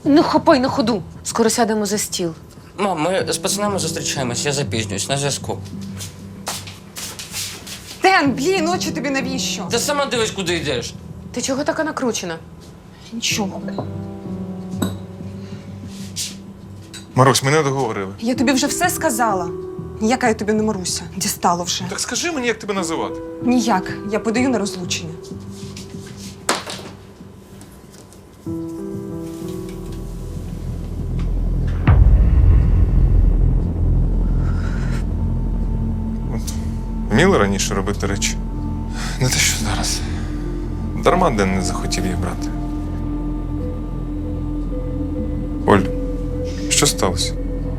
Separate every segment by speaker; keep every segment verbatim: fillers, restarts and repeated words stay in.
Speaker 1: Не хапай на ходу. Скоро сядемо за стіл.
Speaker 2: Мам, ми з пацанами зустрічаємось, я запізнююсь, на зв'язку.
Speaker 3: Ден, блін, очі тобі навіщо?
Speaker 2: Ти сама дивись, куди йдеш.
Speaker 1: Ти чого така накручена?
Speaker 3: Нічого.
Speaker 4: Марусь, ми не договорили.
Speaker 3: Я тобі вже все сказала. Ніяка я тобі не Маруся. Дістало вже.
Speaker 4: Так скажи мені, як тебе називати.
Speaker 3: Ніяк. Я подаю на розлучення.
Speaker 4: Вміли раніше робити речі. Не те, що зараз. Дарма Ден не захотів їх брати. Оль, що сталося?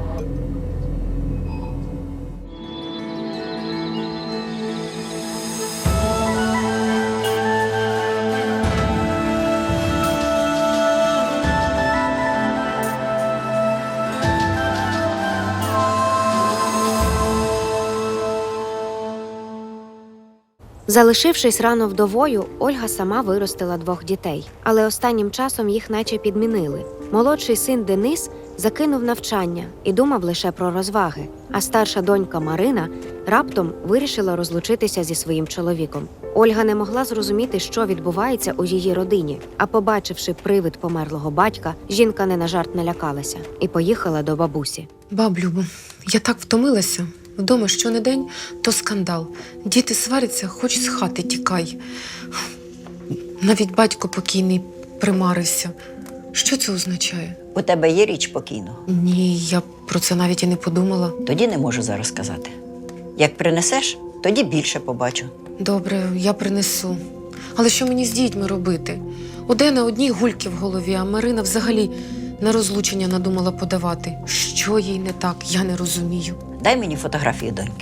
Speaker 5: Залишившись рано вдовою, Ольга сама виростила двох дітей. Але останнім часом їх наче підмінили. Молодший син Денис закинув навчання і думав лише про розваги. А старша донька Марина раптом вирішила розлучитися зі своїм чоловіком. Ольга не могла зрозуміти, що відбувається у її родині. А побачивши привид померлого батька, жінка не на жарт налякалася і поїхала до бабусі.
Speaker 1: Баб Любо, я так втомилася. Вдома щонедень то скандал. Діти сваряться, хоч з хати тікай. Навіть батько покійний примарився. Що це означає?
Speaker 6: У тебе є річ покійного?
Speaker 1: Ні, я про це навіть і не подумала.
Speaker 6: Тоді не можу зараз сказати. Як принесеш, тоді більше побачу.
Speaker 1: Добре, я принесу. Але що мені з дітьми робити? У Дена одні гульки в голові, а Марина взагалі на розлучення надумала подавати. Що їй не так, я не розумію.
Speaker 6: Дай мені фотографію доньки.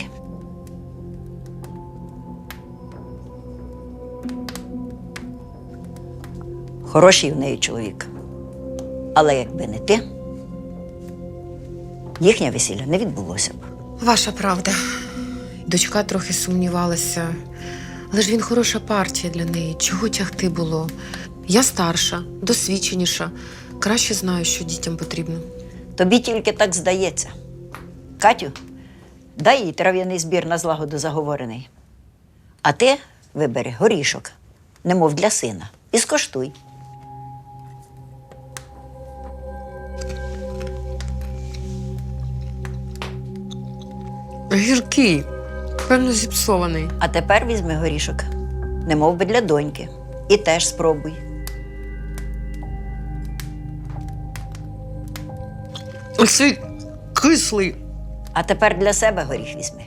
Speaker 6: Хороший в неї чоловік. Але якби не ти, їхнє весілля не відбулося б.
Speaker 1: Ваша правда. Дочка трохи сумнівалася. Але ж він хороша партія для неї. Чого тягти було? Я старша, досвідченіша. Краще знаю, що дітям потрібно.
Speaker 6: Тобі тільки так здається. Катю, дай їй трав'яний збір на злагоду заговорений. А ти вибери горішок, немов для сина, і скоштуй.
Speaker 1: Гіркий, певно, зіпсований.
Speaker 6: А тепер візьми горішок, немов би для доньки, і теж спробуй.
Speaker 1: Оцей кислий.
Speaker 6: А тепер для себе горіх візьми.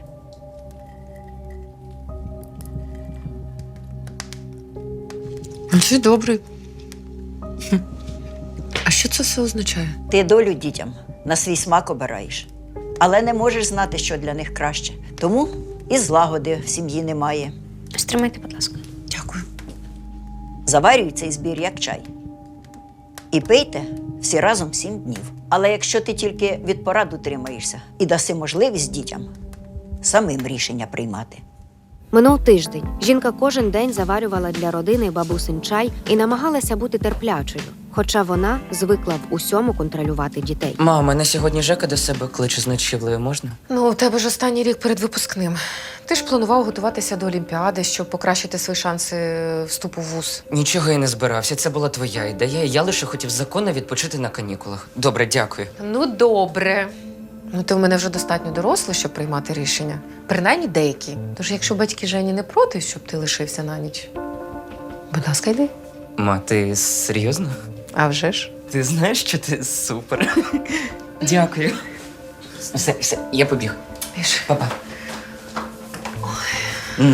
Speaker 1: Оцей добрий. Хм. А що це все означає?
Speaker 6: Ти долю дітям на свій смак обираєш, але не можеш знати, що для них краще. Тому і злагоди в сім'ї немає.
Speaker 5: Стримайте, будь ласка.
Speaker 1: Дякую.
Speaker 6: Заварюй цей збір як чай. І пийте всі разом сім днів. Але якщо ти тільки від порад утримаєшся і даси можливість дітям самим рішення приймати.
Speaker 5: Минув тиждень. Жінка кожен день заварювала для родини бабусин чай і намагалася бути терплячою. Хоча вона звикла в усьому контролювати дітей.
Speaker 2: Мама, мене сьогодні Жека до себе кличе з ночівлею, можна?
Speaker 1: Ну, у тебе ж останній рік перед випускним. Ти ж планував готуватися до Олімпіади, щоб покращити свої шанси вступу в вуз.
Speaker 2: Нічого я не збирався, це була твоя ідея. Я лише хотів законно відпочити на канікулах. Добре, дякую.
Speaker 1: Ну, добре. Ну, ти в мене вже достатньо дорослий, щоб приймати рішення. Принаймні деякі. Тож, якщо батьки Жені не проти, щоб ти лишився на ніч, будь ласка, йди.
Speaker 2: Ма, ти серйозно?
Speaker 1: А вже ж.
Speaker 2: Ти знаєш, що ти супер. Дякую. Все, все, я побіг.
Speaker 1: Піш.
Speaker 2: Па-па. М.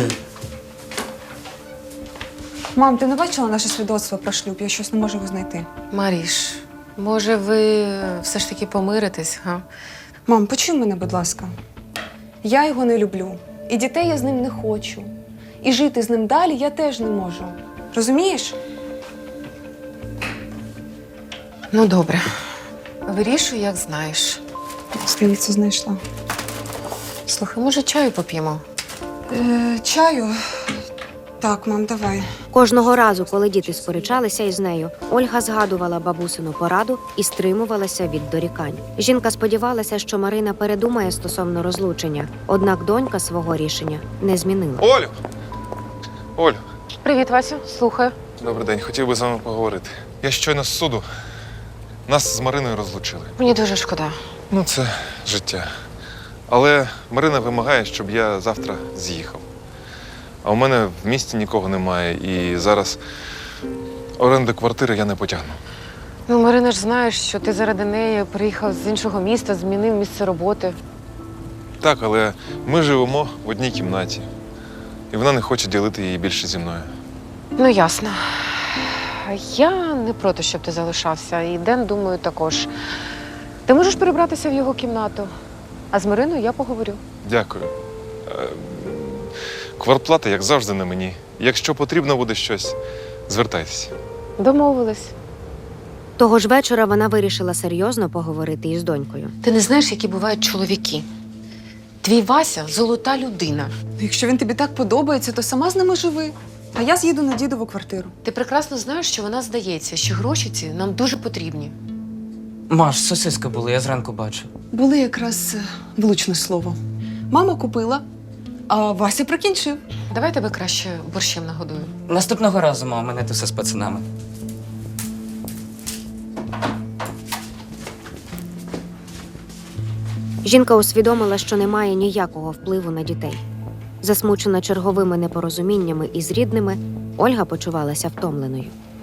Speaker 3: Мам, ти не бачила наше свідоцтво про шлюб? Я щось не можу його знайти.
Speaker 1: Маріш, може, ви все ж таки помиритесь, га?
Speaker 3: Мам, почуй мене, будь ласка. Я його не люблю. І дітей я з ним не хочу. І жити з ним далі я теж не можу. Розумієш?
Speaker 1: Ну, добре. Вирішуй, як знаєш.
Speaker 3: Здається, знайшла.
Speaker 1: Слухай, може, чаю поп'ємо?
Speaker 3: Е, чаю? Так, мам, давай.
Speaker 5: Кожного разу, коли діти сперечалися із нею, Ольга згадувала бабусину пораду і стримувалася від дорікань. Жінка сподівалася, що Марина передумає стосовно розлучення, однак донька свого рішення не змінила.
Speaker 4: Олю! Олю,
Speaker 1: Привіт, Васю, слухаю.
Speaker 4: добрий день, хотів би з вами поговорити. Я щойно з суду. Нас з Мариною розлучили.
Speaker 1: Мені дуже шкода.
Speaker 4: Ну, це життя. Але Марина вимагає, щоб я завтра з'їхав. А у мене в місті нікого немає, і зараз оренди квартири я не потягну.
Speaker 1: Ну, Марина ж знаєш, що ти заради неї приїхав з іншого міста, змінив місце роботи.
Speaker 4: Так, але ми живемо в одній кімнаті. І вона не хоче ділити її більше зі мною.
Speaker 1: Ну, ясно. Я не проти, щоб ти залишався. І Ден, думаю, також. Ти можеш перебратися в його кімнату. А з Мариною я поговорю.
Speaker 4: Дякую. Е, Квартплата, як завжди, на мені. Якщо потрібно буде щось, звертайтеся.
Speaker 1: Домовились.
Speaker 5: Того ж вечора вона вирішила серйозно поговорити із донькою.
Speaker 1: Ти не знаєш, які бувають чоловіки. Твій Вася – золота людина.
Speaker 3: Якщо він тобі так подобається, то сама з ними живи. А я з'їду на дідову квартиру.
Speaker 1: Ти прекрасно знаєш, що вона здається, що гроші ці нам дуже потрібні.
Speaker 2: Маш, сосиски були, я зранку бачив.
Speaker 3: Були якраз е, влучне слово. Мама купила, а Вася прикінчив.
Speaker 1: Давай тебе краще борщем нагодую.
Speaker 2: Наступного разу, мав, мене ти все з пацанами.
Speaker 5: Жінка усвідомила, що не має ніякого впливу на дітей. Засмучена черговими непорозуміннями із рідними, Ольга почувалася втомленою.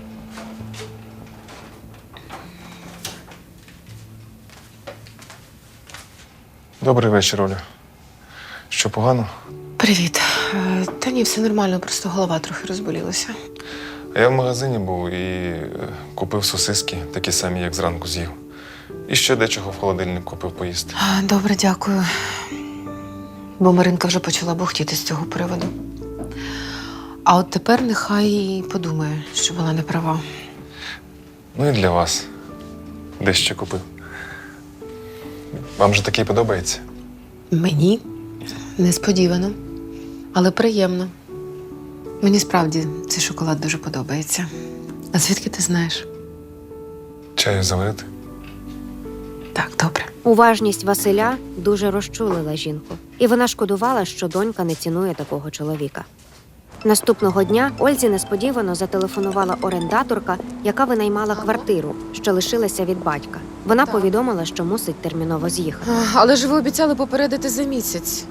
Speaker 4: Добрий вечір, Оля. Що, погано?
Speaker 1: Привіт. Е, Та ні, все нормально, просто голова трохи розболілася.
Speaker 4: А я в магазині був і е, купив сосиски, такі самі, як зранку з'їв. І ще дечого в холодильник купив поїсти.
Speaker 1: А, Добре, дякую. Бо Маринка вже почала бухтіти з цього приводу. А от тепер нехай подумає, що вона не права.
Speaker 4: Ну і для вас дещо купив. Вам же такий подобається?
Speaker 1: Мені несподівано, але приємно. Мені справді цей шоколад дуже подобається. А звідки ти знаєш?
Speaker 4: Чаю заварити?
Speaker 1: Так, добре.
Speaker 5: Уважність Василя дуже розчулила жінку, і вона шкодувала, що донька не цінує такого чоловіка. Наступного дня Ользі несподівано зателефонувала орендаторка, яка винаймала квартиру, що лишилася від батька. Вона повідомила, що мусить терміново з'їхати.
Speaker 1: А, Але ж ви обіцяли попередити за місяць.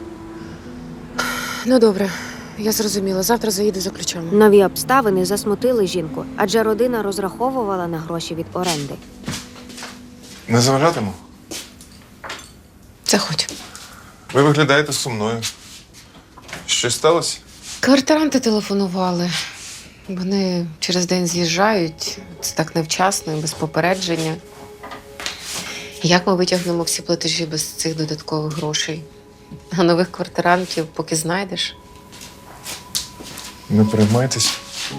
Speaker 1: Ну, добре, я зрозуміла. Завтра заїду за ключами.
Speaker 5: Нові обставини засмутили жінку, адже родина розраховувала на гроші від оренди.
Speaker 4: Не заважатиму?
Speaker 1: Заходь.
Speaker 4: Ви виглядаєте сумною. Щось сталося?
Speaker 1: Квартиранти телефонували. Вони через день з'їжджають. Це так невчасно і без попередження. Як ми витягнемо всі платежі без цих додаткових грошей? А нових квартирантів поки знайдеш?
Speaker 4: Не переймайтесь.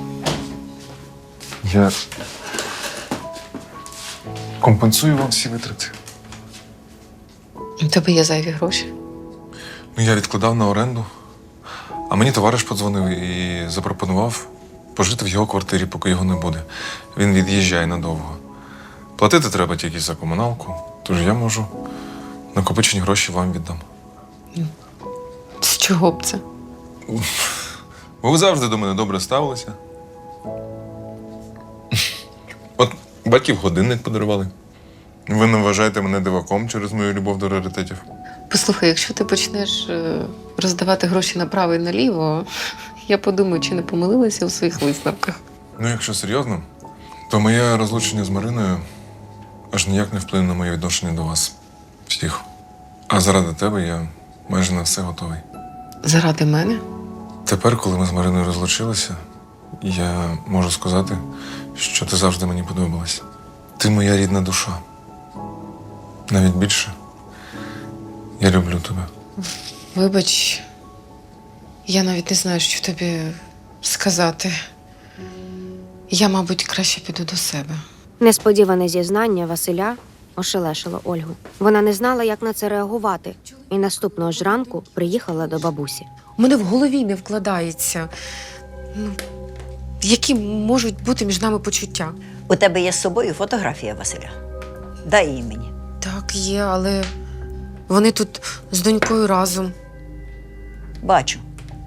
Speaker 4: Я компенсую вам всі витрати.
Speaker 1: У тебе є зайві гроші.
Speaker 4: Ну, я відкладав на оренду, а мені товариш подзвонив і запропонував пожити в його квартирі, поки його не буде. Він від'їжджає надовго. Платити треба тільки за комуналку, тож я можу накопичені гроші вам віддам.
Speaker 1: З чого б це?
Speaker 4: Бо ви завжди до мене добре ставилися. От батьків годинник подарували. Ви не вважаєте мене диваком через мою любов до раритетів.
Speaker 1: Послухай, якщо ти почнеш е, роздавати гроші направо і наліво, я подумаю, чи не помилилася у своїх висновках.
Speaker 4: Ну, якщо серйозно, то моє розлучення з Мариною аж ніяк не вплине на моє відношення до вас всіх. А заради тебе я майже на все готовий.
Speaker 1: Заради мене?
Speaker 4: Тепер, коли ми з Мариною розлучилися, я можу сказати, що ти завжди мені подобалась. Ти моя рідна душа. Навіть більше. Я люблю тебе.
Speaker 1: Вибач, я навіть не знаю, що тобі сказати. Я, мабуть, краще піду до себе.
Speaker 5: Несподіване зізнання Василя ошелешило Ольгу. Вона не знала, як на це реагувати, і наступного ж ранку приїхала до бабусі.
Speaker 1: У мене в голові не вкладається. Ну, які можуть бути між нами почуття?
Speaker 6: У тебе є з собою фотографія Василя. Дай її мені.
Speaker 1: Так, є, але вони тут з донькою разом.
Speaker 6: Бачу.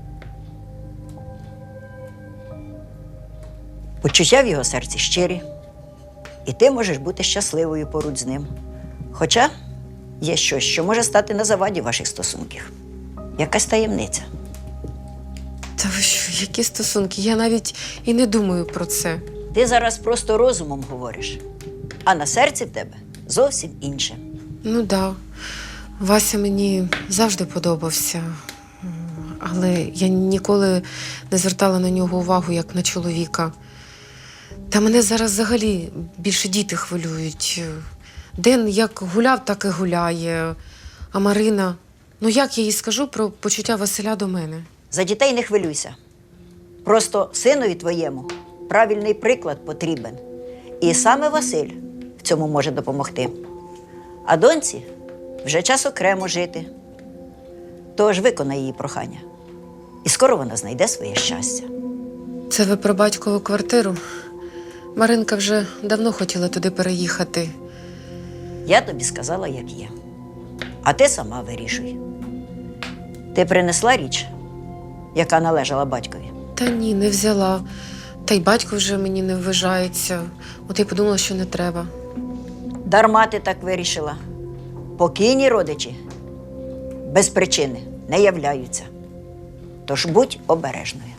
Speaker 6: Почуття в його серці щирі, і ти можеш бути щасливою поруч з ним. Хоча є щось, що може стати на заваді ваших стосунків. Якась таємниця.
Speaker 1: Та ви що, які стосунки? Я навіть і не думаю про це.
Speaker 6: Ти зараз просто розумом говориш, а на серці в тебе зовсім інше.
Speaker 1: Ну да, Вася мені завжди подобався, але я ніколи не звертала на нього увагу, як на чоловіка. Та мене зараз взагалі більше діти хвилюють. Ден як гуляв, так і гуляє. А Марина, ну як я їй скажу про почуття Василя до мене?
Speaker 6: За дітей не хвилюйся. Просто синові твоєму правильний приклад потрібен. І саме Василь в цьому може допомогти. А доньці вже час окремо жити. Тож виконай її прохання. І скоро вона знайде своє щастя.
Speaker 1: Це ви про батькову квартиру? Маринка вже давно хотіла туди переїхати.
Speaker 6: Я тобі сказала, як є. А ти сама вирішуй. Ти принесла річ, яка належала батькові?
Speaker 1: Та ні, не взяла. Та й батько вже мені не вважається. От я подумала, що не треба.
Speaker 6: Дарма ти так вирішила. Покійні родичі без причини не являються. Тож будь обережною.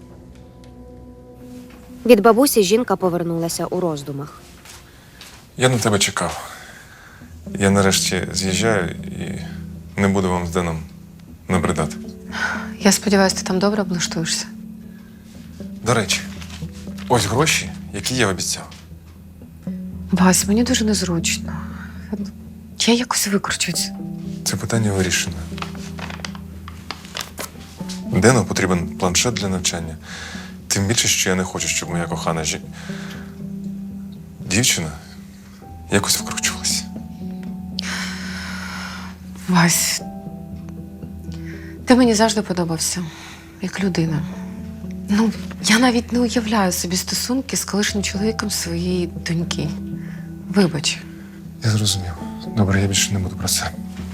Speaker 5: Від бабусі жінка повернулася у роздумах.
Speaker 4: Я на тебе чекав. Я нарешті з'їжджаю і не буду вам з Деном набридати.
Speaker 1: Я сподіваюся, ти там добре облаштуєшся.
Speaker 4: До речі, ось гроші, які я обіцяв.
Speaker 1: Вась, мені дуже незручно. Я якось викручусь.
Speaker 4: Це питання вирішено. Дену потрібен планшет для навчання. Тим більше, що я не хочу, щоб моя кохана жі... дівчина якось викручувалася.
Speaker 1: Вась, ти мені завжди подобався, як людина. Ну, я навіть не уявляю собі стосунки з колишнім чоловіком своєї доньки. Вибач.
Speaker 4: Я зрозумів. Добре, я більше не буду про це.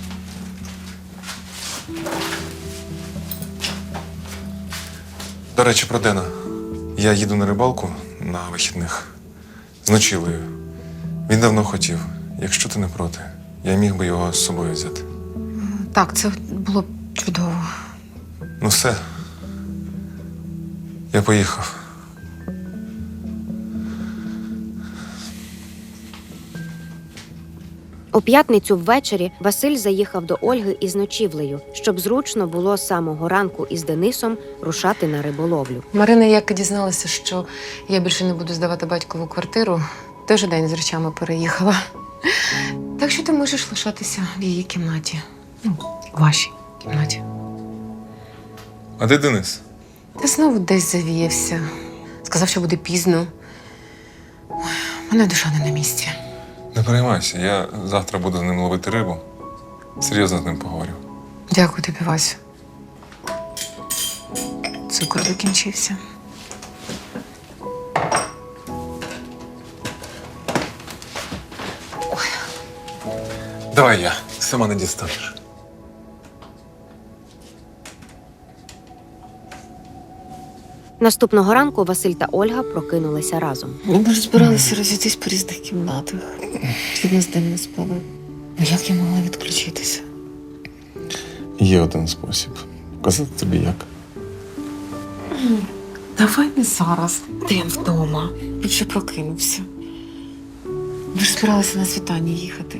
Speaker 4: До речі, про Дена. Я їду на рибалку на вихідних з ночівлею. Він давно хотів. Якщо ти не проти, я міг би його з собою взяти.
Speaker 1: Так, це було б чудово.
Speaker 4: Ну все. Я поїхав.
Speaker 5: У п'ятницю ввечері Василь заїхав до Ольги із ночівлею, щоб зручно було з самого ранку із Денисом рушати на риболовлю.
Speaker 1: Марина, як дізналася, що я більше не буду здавати батькову квартиру, той же день з речами переїхала. Так що ти можеш лишатися в її кімнаті. Ну, в вашій кімнаті.
Speaker 4: А де Денис?
Speaker 1: Та знову десь завіявся. Сказав, що буде пізно. Ой, в мене душа не на місці.
Speaker 4: Не переймайся, я завтра буду з ним ловити рибу. Серйозно з ним поговорю.
Speaker 1: Дякую тобі, Васю. Цукор закінчився.
Speaker 4: Давай я, сама не дістанеш.
Speaker 5: Наступного ранку Василь та Ольга прокинулися разом.
Speaker 1: Ми ж збиралися розійтись по різних кімнатах. Щоб нас день не спали. Ну як я могла відключитися?
Speaker 4: Є один спосіб. Показати тобі як.
Speaker 1: Давай не зараз. Ден вдома. Він ще прокинувся. Ми ж збиралися на світання їхати.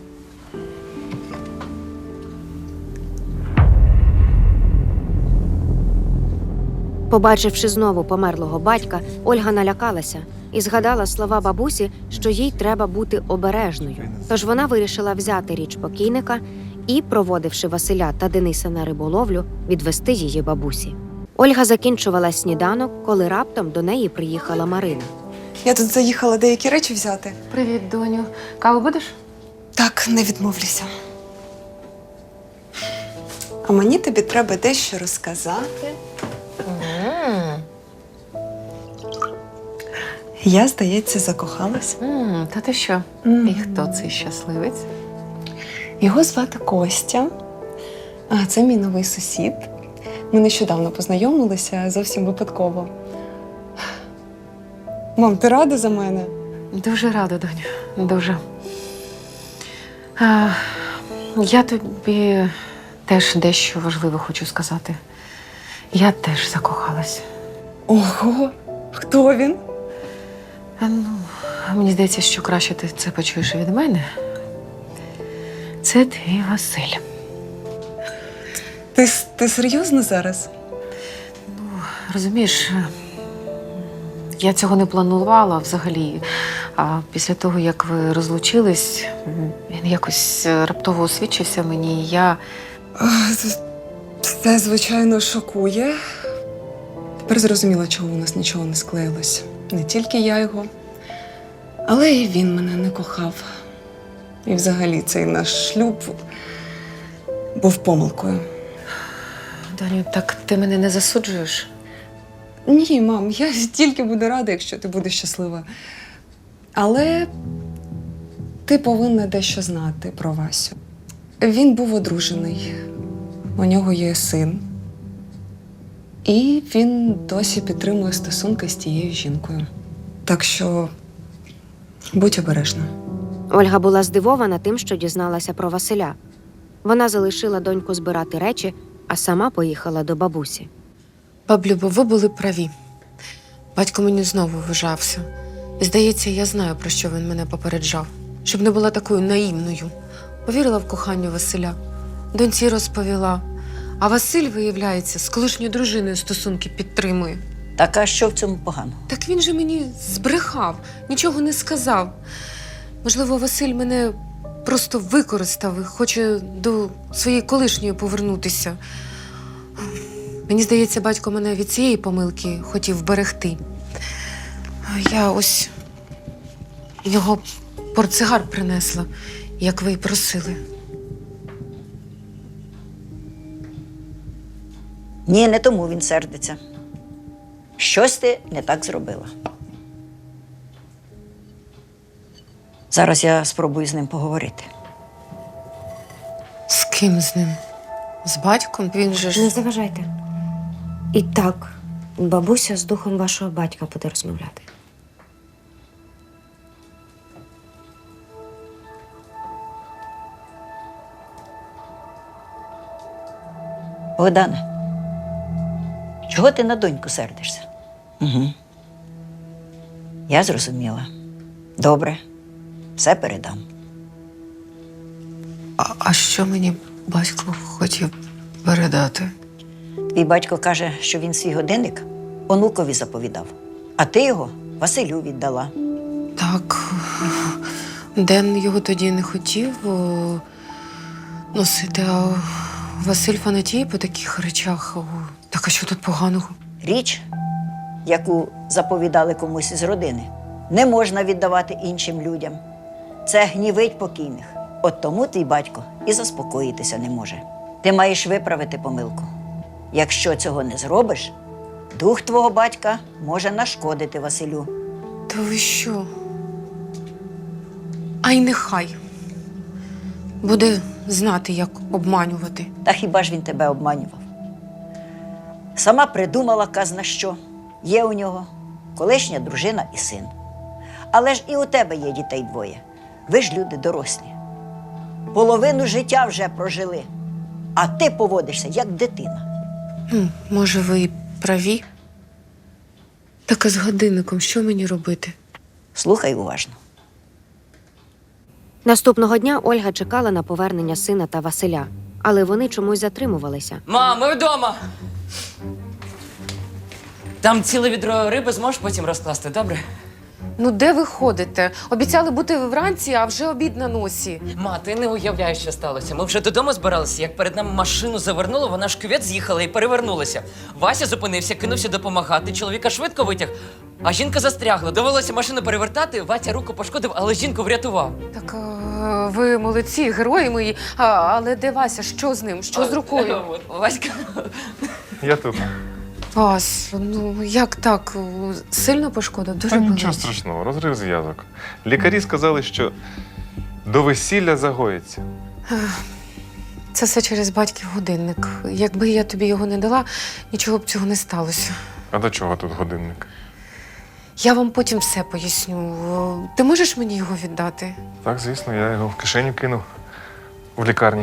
Speaker 5: Побачивши знову померлого батька, Ольга налякалася і згадала слова бабусі, що їй треба бути обережною. Тож вона вирішила взяти річ покійника і, проводивши Василя та Дениса на риболовлю, відвести її бабусі. Ольга закінчувала сніданок, коли раптом до неї приїхала Марина.
Speaker 3: Я тут заїхала деякі речі взяти.
Speaker 1: Привіт, доню. Каву будеш?
Speaker 3: Так, не відмовлюся. А мені тобі треба дещо розказати. Я, здається, закохалась.
Speaker 1: М, та ти що? І хто цей щасливець?
Speaker 3: Його звати Костя. А це мій новий сусід. Ми нещодавно познайомилися зовсім випадково. Мам, ти рада за мене?
Speaker 1: Дуже рада, доню. Дуже. А, я тобі теж дещо важливе хочу сказати. Я теж закохалась.
Speaker 3: Ого, хто він?
Speaker 1: А, ну, мені здається, що краще ти це почуєш від мене. Це твій Василь.
Speaker 3: Ти, с- ти серйозно зараз?
Speaker 1: Розумієш, я цього не планувала взагалі. А після того, як ви розлучились, він якось раптово освічився мені, і я.
Speaker 3: А, це- Це, звичайно, шокує. Тепер зрозуміла, чого у нас нічого не склеїлось. Не тільки я його, але і він мене не кохав. І взагалі цей наш шлюб був помилкою.
Speaker 1: Доню, так ти мене не засуджуєш?
Speaker 3: Ні, мам, я тільки буду рада, якщо ти будеш щаслива. Але ти повинна дещо знати про Васю. Він був одружений, у нього є син. І він досі підтримує стосунки з тією жінкою. Так що будь обережна.
Speaker 5: Ольга була здивована тим, що дізналася про Василя. Вона залишила доньку збирати речі, а сама поїхала до бабусі.
Speaker 1: Баблюбо, ви були праві. Батько мені знову вважався. І, здається, я знаю, про що він мене попереджав. Щоб не була такою наївною. Повірила в кохання Василя. Доньці розповіла. А Василь, виявляється, з колишньою дружиною стосунки підтримує.
Speaker 6: Так а що в цьому поганого?
Speaker 1: Так він же мені збрехав, нічого не сказав. Можливо, Василь мене просто використав і хоче до своєї колишньої повернутися. Мені здається, батько мене від цієї помилки хотів вберегти. Я ось його портсигар принесла, як ви й просили.
Speaker 6: Ні, не тому він сердиться. Щось ти не так зробила. Зараз я спробую з ним поговорити.
Speaker 1: З ким з ним? З батьком? Він же ж.
Speaker 5: Не заважайте. І так, бабуся з духом вашого батька буде розмовляти.
Speaker 6: Богдане, чого ти на доньку сердишся? Угу. Я зрозуміла. Добре, все передам.
Speaker 1: А, а що мені батько хотів передати?
Speaker 6: Твій батько каже, що він свій годинник онукові заповідав, а ти його Василю віддала.
Speaker 1: Так, Ден його тоді не хотів о, носити, а Василь фанатіє по таких речах. О, так а що тут поганого?
Speaker 6: Річ, яку заповідали комусь із родини, не можна віддавати іншим людям. Це гнівить покійних. От тому твій батько і заспокоїтися не може. Ти маєш виправити помилку. Якщо цього не зробиш, дух твого батька може нашкодити Василю.
Speaker 1: Та ви що? А й нехай. Буде знати, як обманювати.
Speaker 6: Та хіба ж він тебе обманював? Сама придумала казна що. Є у нього колишня дружина і син. Але ж і у тебе є дітей двоє. Ви ж люди дорослі. Половину життя вже прожили. А ти поводишся, як дитина.
Speaker 1: Ну, може, ви і праві? Так а з годинником що мені робити?
Speaker 6: Слухай уважно.
Speaker 5: Наступного дня Ольга чекала на повернення сина та Василя, але вони чомусь затримувалися.
Speaker 2: Мам, ми вдома. Там ціле відро риби зможеш потім розкласти, добре?
Speaker 1: Ну, де ви ходите? Обіцяли бути вранці, а вже обід на носі.
Speaker 2: Ма, ти не уявляєш, що сталося. Ми вже додому збиралися, як перед нами машину завернуло, вона ж кювет з'їхала і перевернулася. Вася зупинився, кинувся допомагати, чоловіка швидко витяг, а жінка застрягла. Довелося машину перевертати, Ватя руку пошкодив, але жінку врятував.
Speaker 1: Так а, ви молодці, герої мої. А, але де Вася? Що з ним? Що з рукою?
Speaker 2: От, Васька.
Speaker 4: Я тут.
Speaker 1: Вас, ну як так? Сильно пошкодив? Дуже
Speaker 4: Та
Speaker 1: болить.
Speaker 4: нічого страшного, розрив зв'язок. Лікарі сказали, що до весілля загоїться.
Speaker 1: Це все через батьків годинник. Якби я тобі його не дала, нічого б цього не сталося.
Speaker 4: А до чого тут годинник?
Speaker 1: Я вам потім все поясню. Ти можеш мені його віддати?
Speaker 4: Так, звісно, я його в кишеню кинув в лікарні.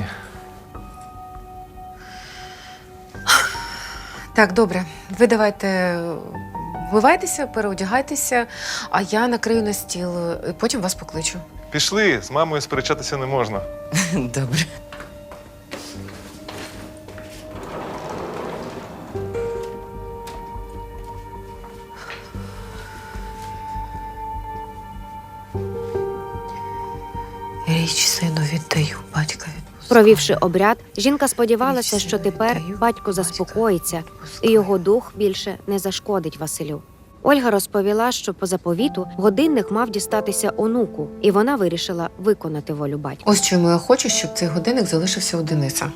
Speaker 1: Так, добре. Ви давайте вмивайтеся, переодягайтеся, а я накрию на стіл, і потім вас покличу.
Speaker 4: Пішли, з мамою сперечатися не можна.
Speaker 2: Добре.
Speaker 1: Річ сину віддаю, батька відпускаю.
Speaker 5: Провівши обряд, жінка сподівалася, що тепер батько заспокоїться і його дух більше не зашкодить Василю. Ольга розповіла, що по заповіту годинник мав дістатися онуку, і вона вирішила виконати волю батька.
Speaker 1: Ось чому я хочу, щоб цей годинник залишився у Дениса.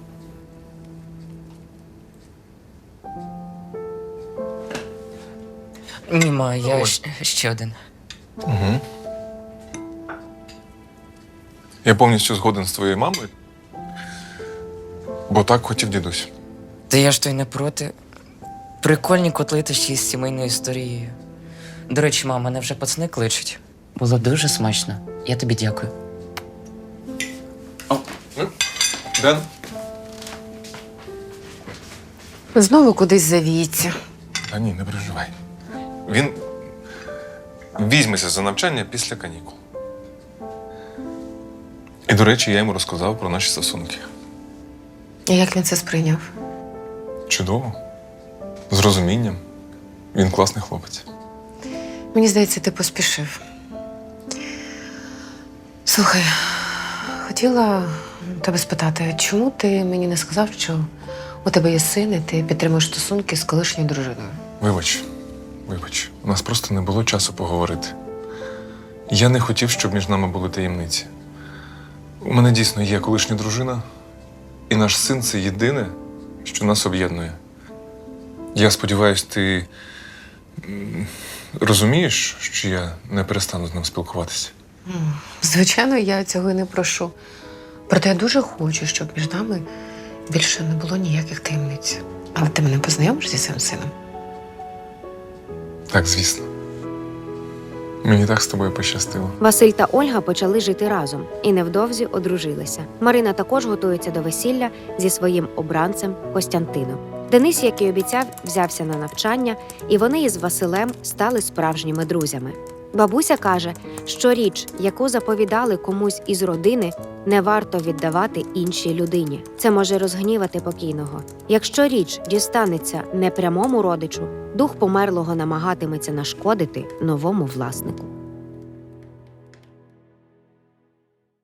Speaker 2: Ні, ма, я щ- ще один.
Speaker 4: Угу. Я повністю згоден з твоєю мамою, бо так хотів дідусь.
Speaker 2: Та я ж то й не проти. Прикольні котлети ще із сімейною історією. До речі, мама, мене вже пацани кличуть. Було дуже смачно. Я тобі дякую.
Speaker 4: Ден?
Speaker 1: Знову кудись завіється.
Speaker 4: Та ні, не переживай. Він візьметься за навчання після канікул. І, до речі, я йому розказав про наші стосунки.
Speaker 1: І як він це сприйняв?
Speaker 4: Чудово. З розумінням. Він класний хлопець.
Speaker 1: Мені здається, ти поспішив. Слухай, хотіла тебе спитати, чому ти мені не сказав, що у тебе є син, і ти підтримуєш стосунки з колишньою дружиною?
Speaker 4: Вибач, вибач, у нас просто не було часу поговорити. Я не хотів, щоб між нами були таємниці. У мене дійсно є колишня дружина, і наш син це єдине, що нас об'єднує. Я сподіваюся, ти м, розумієш, що я не перестану з ним спілкуватися.
Speaker 1: Звичайно, я цього і не прошу. Проте я дуже хочу, щоб між нами більше не було ніяких таємниць. Але ти мене познайомиш зі своїм сином?
Speaker 4: Так, звісно. Мені так з тобою пощастило.
Speaker 5: Василь та Ольга почали жити разом і невдовзі одружилися. Марина також готується до весілля зі своїм обранцем Костянтином. Денис, як і обіцяв, взявся на навчання, і вони із Василем стали справжніми друзями. Бабуся каже, що річ, яку заповідали комусь із родини, не варто віддавати іншій людині. Це може розгнівати покійного. Якщо річ дістанеться непрямому родичу, дух померлого намагатиметься нашкодити новому власнику.